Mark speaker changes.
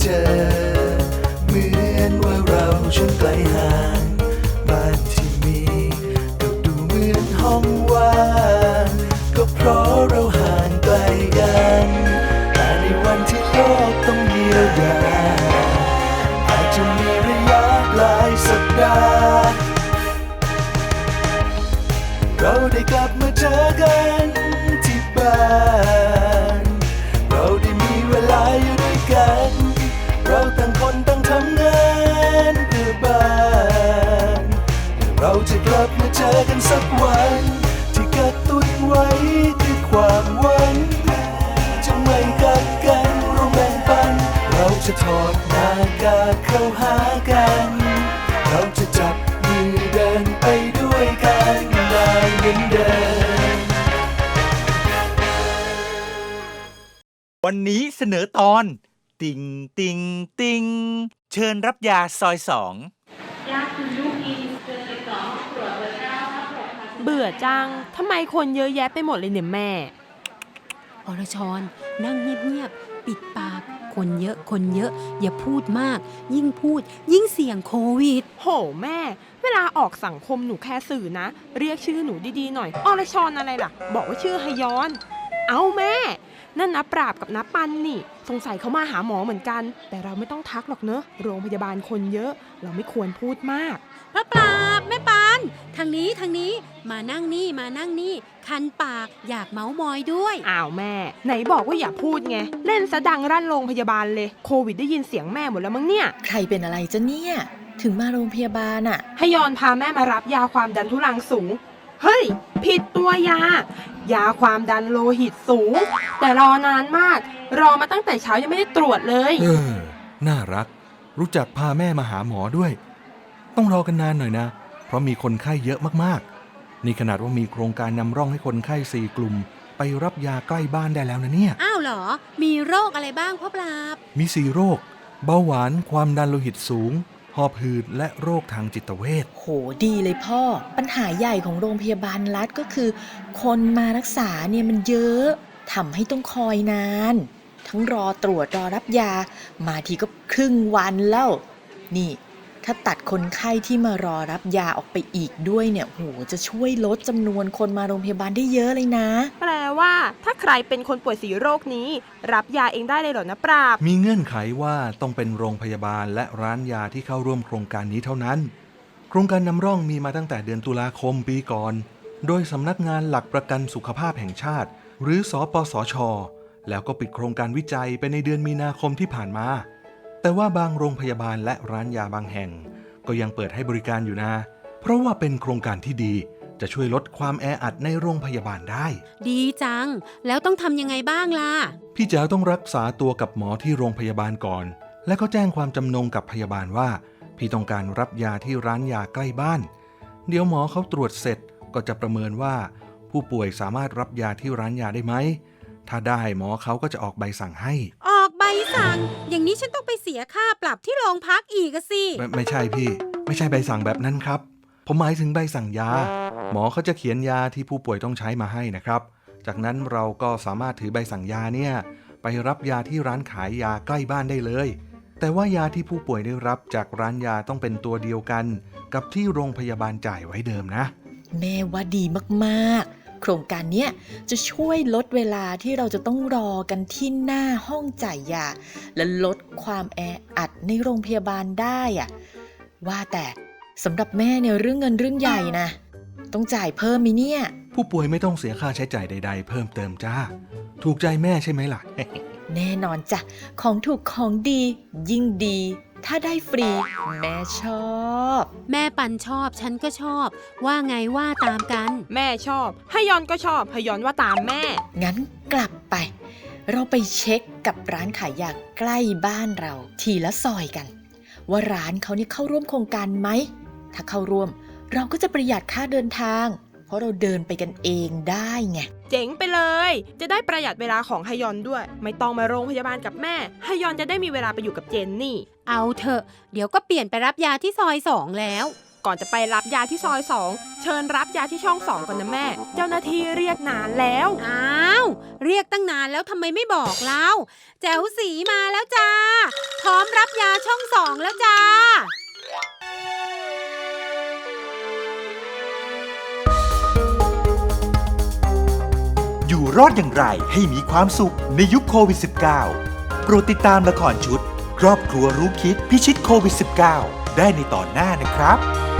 Speaker 1: เจอเหมือนว่าเราช่างไกลห่างบ้านที่มีก็ดูเหมือนห้องว่างก็เพราะเราห่างไกลกันแต่ในวันที่โลกต้องเยียวยาอาจจะมีระยะหลายสัปดาห์เราได้กลับมาเจอกันที่บ้านเราได้มีเวลาอยู่ด้วยกันเราต่างคนต่างทำงานเพื่อบ้านเราจะกลับมาเจอกันสักวันที่กระตุ้นไว้ด้วยความหวังจะไม่กัดกันเราแบ่งปันเราจะถอดหน้ากากเข้าหากันเราจะจับมือเดินไปด้วยกันได้เหมือนเดิม
Speaker 2: วันนี้เสนอตอนติงติงติงเชิญรับยาซอย2
Speaker 3: ยาคุณลูกอีเกิน12ตรวจเบอร์9
Speaker 4: เบื่อจัง ทำไมคนเยอะแยะไปหมดเลยเนี่ยแม่
Speaker 5: อรชรนั่งเงียบๆปิดปากคนเยอะอย่าพูดมากยิ่งพูดยิ่งเสี่ยงโควิด
Speaker 4: โหแม่ เวลาออกสังคมหนูแค่สื่อนะ เรียกชื่อหนูดีๆหน่อยอรชรอะไรล่ะ บอกว่าชื่อฮยอน เอาแม่นั่นนะปราบกับนับปันนี่สงสัยเขามาหาหมอเหมือนกันแต่เราไม่ต้องทักหรอกเนอะโรงพยาบาลคนเยอะเราไม่ควรพูดมาก
Speaker 5: พระปราบแม่ปานทางนี้มานั่งนี่คันปากอยากเมาส์มอยด้วย
Speaker 4: อ้าวแม่ไหนบอกว่าอย่าพูดไงเล่นซะดังรั่นโรงพยาบาลเลยโควิดได้ยินเสียงแม่หมดแล้วมั้งเนี่ย
Speaker 6: ใครเป็นอะไรจ๊ะเนี่ยถึงมาโรงพยาบาลอะ
Speaker 4: ฮยอนพาแม่มารับยาความดันทุรังสูงเฮ้ยผิดตัวยายาความดันโลหิตสูงแต่รอนานมากรอมาตั้งแต่เช้ายังไม่ได้ตรวจเลย
Speaker 7: น่ารักรู้จักพาแม่มาหาหมอด้วยต้องรอกันนานหน่อยนะเพราะมีคนไข้เยอะมากๆนี่ขนาดว่ามีโครงการนำร่องให้คนไข้4 กลุ่มไปรับยาใกล้บ้านได้แล้วนะเนี่ย
Speaker 5: อ้าวเหรอมีโรคอะไรบ้างพ่อปราบ
Speaker 7: มี4 โรคเบาหวานความดันโลหิตสูงหอบหืดและโรคทางจิตเวช
Speaker 6: โหดีเลยพ่อปัญหาใหญ่ของโรงพยาบาลรัฐก็คือคนมารักษาเนี่ยมันเยอะทำให้ต้องคอยนานทั้งรอตรวจรอรับยามาทีก็ครึ่งวันแล้วนี่ถ้าตัดคนไข้ที่มารอรับยาออกไปอีกด้วยเนี่ยโหจะช่วยลดจำนวนคนมาโรงพยาบาลได้เยอะเลยนะ
Speaker 4: แปลว่าถ้าใครเป็นคนป่วย4 โรคนี้รับยาเองได้เลยเหรอนะปราบ
Speaker 7: มีเงื่อนไขว่าต้องเป็นโรงพยาบาลและร้านยาที่เข้าร่วมโครงการนี้เท่านั้นโครงการนำร่องมีมาตั้งแต่เดือนตุลาคมปีก่อนโดยสำนักงานหลักประกันสุขภาพแห่งชาติหรือสปสช.แล้วก็ปิดโครงการวิจัยไปในเดือนมีนาคมที่ผ่านมาแต่ว่าบางโรงพยาบาลและร้านยาบางแห่งก็ยังเปิดให้บริการอยู่นะเพราะว่าเป็นโครงการที่ดีจะช่วยลดความแออัดในโรงพยาบาลได้
Speaker 5: ดีจังแล้วต้องทำยังไงบ้างล่ะ
Speaker 7: พี่แจ๋วต้องรักษาตัวกับหมอที่โรงพยาบาลก่อนและก็แจ้งความจำนงกับพยาบาลว่าพี่ต้องการรับยาที่ร้านยาใกล้บ้านเดี๋ยวหมอเขาตรวจเสร็จก็จะประเมินว่าผู้ป่วยสามารถรับยาที่ร้านยาได้ไหมถ้าได้หมอเขาก็จะออกใบสั่งให้
Speaker 5: ออกใบสั่งอย่างนี้ฉันต้องไปเสียค่าปรับที่โรงพักอีกสิ
Speaker 7: ไม่ใช่พี่ไม่ใช่ใบสั่งแบบนั้นครับผมหมายถึงใบสั่งยาหมอเขาจะเขียนยาที่ผู้ป่วยต้องใช้มาให้นะครับจากนั้นเราก็สามารถถือใบสั่งยาเนี่ยไปรับยาที่ร้านขายยาใกล้บ้านได้เลยแต่ว่ายาที่ผู้ป่วยได้รับจากร้านยาต้องเป็นตัวเดียวกันกับที่โรงพยาบาลจ่ายไว้เดิมนะ
Speaker 6: แม่ว่าดีมากๆโครงการนี้จะช่วยลดเวลาที่เราจะต้องรอกันที่หน้าห้องจ่ายยาและลดความแออัดในโรงพยาบาลได้อะว่าแต่สำหรับแม่เนี่ยเรื่องเงินเรื่องใหญ่นะต้องจ่ายเพิ่มมั้ยเนี่ย
Speaker 7: ผู้ป่วยไม่ต้องเสียค่าใช้จ่ายใดๆเพิ่มเติมจ้าถูกใจแม่ใช่ไหมล่ะ
Speaker 6: แน่นอนจ้ะของถูกของดียิ่งดีถ้าได้ฟรีแม่ชอบ
Speaker 5: แม่ปันชอบฉันก็ชอบว่าไงว่าตามกัน
Speaker 4: แม่ชอบฮยอนก็ชอบฮยอนว่าตามแม่
Speaker 6: งั้นกลับไปเราไปเช็คกับร้านขายยาใกล้บ้านเราทีละซอยกันว่าร้านเขานี่เข้าร่วมโครงการไหมถ้าเข้าร่วมเราก็จะประหยัดค่าเดินทางเพราะเราเดินไปกันเองได้ไง
Speaker 4: เจ๋งไปเลยจะได้ประหยัดเวลาของฮยอนด้วยไม่ต้องมาโรงพยาบาลกับแม่ฮยอนจะได้มีเวลาไปอยู่กับเจนนี่
Speaker 5: เอาเถอะเดี๋ยวก็เปลี่ยนไปรับยาที่ซอย2แล้ว
Speaker 4: ก่อนจะไปรับยาที่ซอย 2 เชิญรับยาที่ช่อง 2 ก่อนนะแม่ เจ้าหน้าที่เรียกนานแล้ว
Speaker 5: อ้าวเรียกตั้งนานแล้วทำไมไม่บอกเล่าแจ๋วสีมาแล้วจ้าพร้อมรับยาช่อง 2 แล้วจ้า
Speaker 2: อยู่รอดอย่างไรให้มีความสุขในยุคโควิด -19 โปรดติดตามละครชุด ครอบครัวรู้คิดพิชิตโควิด -19 ได้ในตอนหน้านะครับ